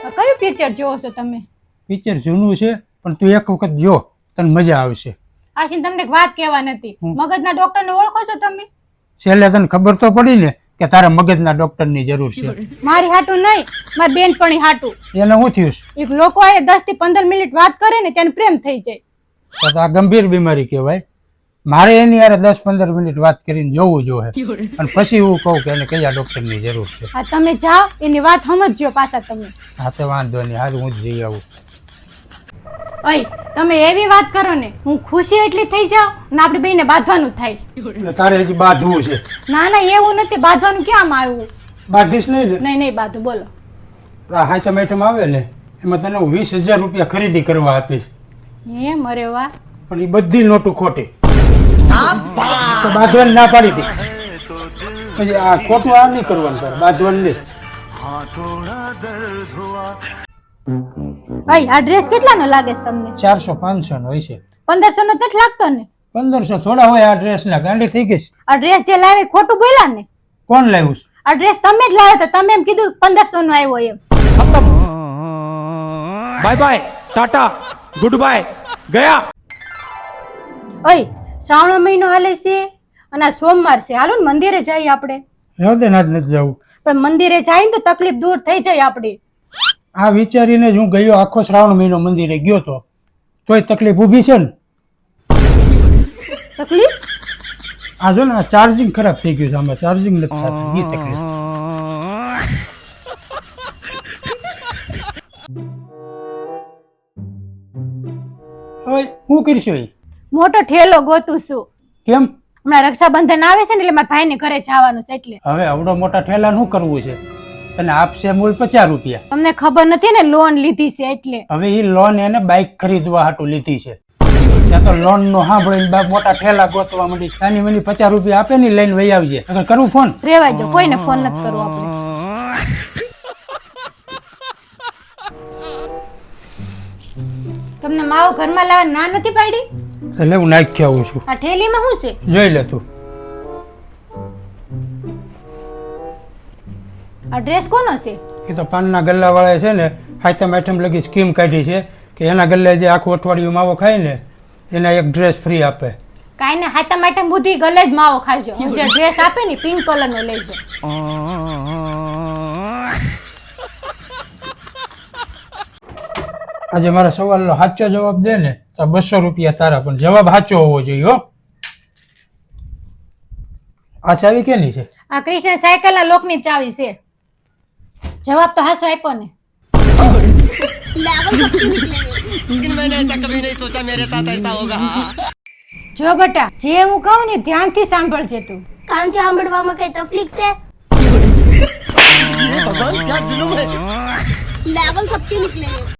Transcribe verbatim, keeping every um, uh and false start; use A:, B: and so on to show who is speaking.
A: કયું પિક્ચર જોવો છો તમે?
B: પિક્ચર જૂનું છે પણ તું એક વખત જો તને મજા આવશે.
A: આશીન તમને એક વાત કહેવા નથી. મગજના ડોક્ટરને ઓળખો છો તમે?
B: છેલ્લે તને ખબર તો પડી ને કે તારા મગજના ડોક્ટરની જરૂર છે.
A: મારી હાટું નહીં, મારી બેનપણી હાટું.
B: એને શું થયું?
A: એક લોકો આ દસ થી પંદર મિનિટ વાત કરે ને તેને પ્રેમ થઈ જાય.
B: તો આ ગંભીર બીમારી કહેવાય. મારે એની યાર દસ પંદર મિનિટ વાત કરીને જોવું જોઈએ અને પછી હું કહું કે એને કયા ડોક્ટરની જરૂર છે.
A: આ તમે જાઓ એની વાત સમજજો પાછા તમે.
B: હા તો વાંધો નહીં, હારું હું જ જઈ આવું.
A: ઓય તમે એવી વાત કરો ને હું ખુશી એટલી થઈ જાઉં ને આપણે બેને બાંધવાનું થાય.
B: એટલે તારે હજી બાંધવું છે?
A: ના ના એવું નથી, બાંધવાનું ક્યાં આવ્યું?
B: બાંધીશ નહીં ને?
A: નહીં નહીં બાંધું. બોલો.
B: આ હાચમ આઈટમ આવે ને એમાં તને હું વીસ હજાર રૂપિયા ખરીદી કરવા આપીશ.
A: એમ? અરે વાહ.
B: પણ એ બધી નોટું ખોટી. તો બાંધવાની ના પાડી હતી. પછી આ ખોટું આ નહીં કરવાનું, તારે બાંધવાનું નહીં.
A: ભાઈ આ ડ્રેસ કેટલાનો લાગે છે તમને?
B: ચારસો પાંચસો નો હોય છે.
A: પંદરસો નો નથી લાગતો ને?
B: પંદરસો થોડા હોય આ ડ્રેસ ના, ગાંડી થઈ ગઈ.
A: આ ડ્રેસ જે લાવે ખોટું બોલ્યા ને?
B: કોણ લાવ્યું?
A: આ ડ્રેસ તમે જ લાવ્યો તો તમે એમ કીધું પંદરસો નો આવ્યો એમ.
C: Bye bye tata goodbye ગયા.
A: ઓય શ્રાવણ મહિનો હાલે છે અને આ સોમવાર છે, હાલો ને મંદિરે જઈએ આપણે.
B: રહેવા દે, ના જ નથી જવું.
A: પણ મંદિરે જાય ને તો તકલીફ દૂર થઈ જાય આપડી.
B: આ વિચારીને જ હું ગયો આખો શ્રાવણ મહિનો મંદિરે ગયો તો તોય તકલીફ ઊભી છે ને.
A: તકલીફ?
B: આ જો ને ચાર્જિંગ ખરાબ થઈ ગયું છે, આમાં ચાર્જિંગ નથી થતું, એ તકલીફ. હવે હું કરીશું? એ
A: મોટો ઠેલો ગોતું છું.
B: કેમ?
A: હમણાં રક્ષાબંધન આવે છે ને એટલે મારા ભાઈને ઘરે જવાનું છે એટલે.
B: હવે આવડો મોટા ઠેલા શું કરવું છે? તને આપશે મૂળ પચાસ રૂપિયા.
A: તમને ખબર નથી ને લોન લીધી છે એટલે.
B: હવે એ લોન એને બાઇક ખરીદવા હાટુ લીધી છે. ત્યાં તો લોન નો સાંભળીને બાપ મોટા ઠેલા ગોતવા માંડી. નાની મની પચાસ રૂપિયા આપે ને લઈને વહી આવજે. અગર કરું ફોન?
A: રેવા દો, કોઈને ફોન નથી કરવો આપણે. તમને માવો ઘરમાં લાવવા ના નથી પાડી?
B: એટલે હું નાખી આવું છું.
A: આ ઠેલીમાં શું છે?
B: જોઈ લે તું.
A: આ ડ્રેસ કોનો છે?
B: એ તો પાનના ગલ્લા વાળા છે ને, હાથમ આઈટમ લગી સ્કીમ કાઢી છે કે એના ગલ્લે જે આખું અઠવાડિયું માવો ખાય ને એના એક ડ્રેસ ફ્રી આપે.
A: કાઈ ને હાથમ આઈટમ બુદ્ધિ ગલે જ માવો ખાજો. જે ડ્રેસ આપે ને પિંક કલર નો લેજો.
B: આજે મારા સવાલનો સાચો જવાબ દે ને તો બસો રૂપિયા તારા, પણ જવાબ સાચો હોવો જોઈએ હો. આ ચાવી કેની છે?
A: આ કૃષ્ણ સાયકલ ના લોક ની ચાવી છે. જવાબ તો હાસો આપ્યો ને. જો બેટા જે હું કહું ને ધ્યાનથી સાંભળજે તું.
D: કાનથી સાંભળવામાં કઈ તકલીફ છે?
E: भगवान क्या जुलुम है। लेवल सबके निकलेंगे।